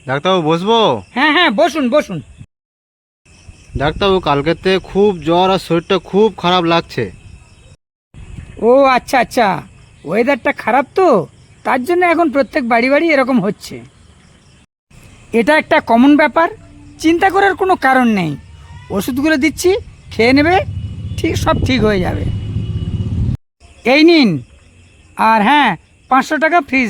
ডাক্তারবাবু বসবো? হ্যাঁ হ্যাঁ, বসুন বসুন। ডাক্তারবাবু কালকেতে খুব জ্বর আর শরীরটা খুব খারাপ লাগছে। ও আচ্ছা আচ্ছা, ওয়েদারটা খারাপ তো, তার জন্য এখন প্রত্যেক বাড়ি বাড়ি এরকম হচ্ছে। এটা একটা কমন ব্যাপার, চিন্তা করার কোনো কারণ নেই। ওষুধগুলো দিচ্ছি, খেয়ে নেবে, সব ঠিক হয়ে যাবে। এই নিন। আর হ্যাঁ, 500 টাকা ফিজ।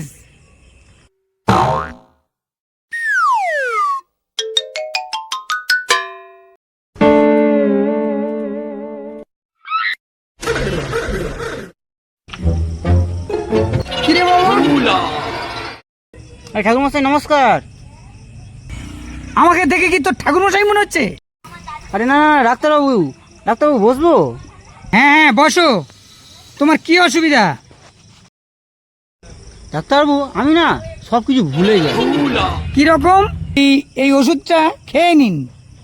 কিরে বাবু? ঠাকুরমশাই নমস্কার। আমাকে দেখে কি তোর ঠাকুরমশাই মনে হচ্ছে? আরে না না, ডাক্তারবাবু, ডাক্তারবাবু বসবো? হ্যাঁ হ্যাঁ, বসো। তোমার কি অসুবিধা? ডাক্তারবাবু আমি না সব কিছু ভুলে যাই। কিরকম? এই ওষুধটা খেয়ে নিন।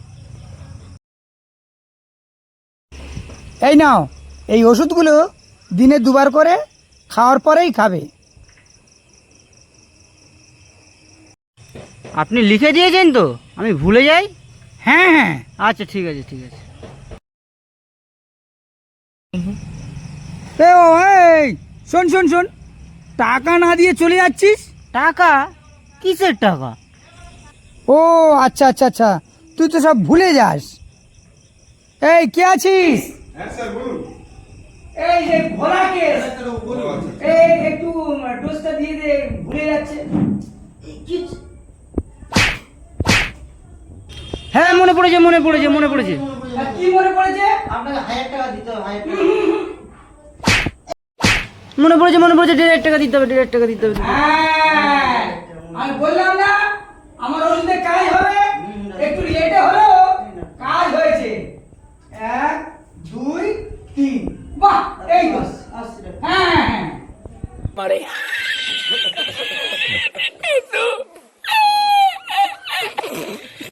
এই নাও, এই ওষুধগুলো দিনে 2বার করে খাওয়ার পরেই খাবে। আপনি লিখে দিয়েছেন তো, আমি ভুলে যাই? হ্যাঁ হ্যাঁ। আচ্ছা ঠিক আছে ঠিক আছে। এই শোন শোন শোন, টাকা না দিয়ে চলে যাচ্ছিস? টাকা? কিসের টাকা? ও আচ্ছা আচ্ছা আচ্ছা, তুই তো সব ভুলে যাস। এই কে আছিস? এই যে ভোলাকে, এই একটু ডোজটা দিয়ে দে, ভুলে যাচ্ছে। হ্যাঁ মনে পড়েছে মনে পড়েছে মনে পড়েছে। কি মনে পড়েছে? আপনাকে 1000 টাকা দিতে হবে। মনে পড়েছে মনে পড়েছে, 1.5 টাকা দিতে হবে, 1.5 টাকা দিতে হবে। হ্যাঁ, আমি বললাম না আমার ওষুধে কাজ হবে, একটু লেটে হলেও কাজ হয়েছে। 1 2 3, বাহ, এই তো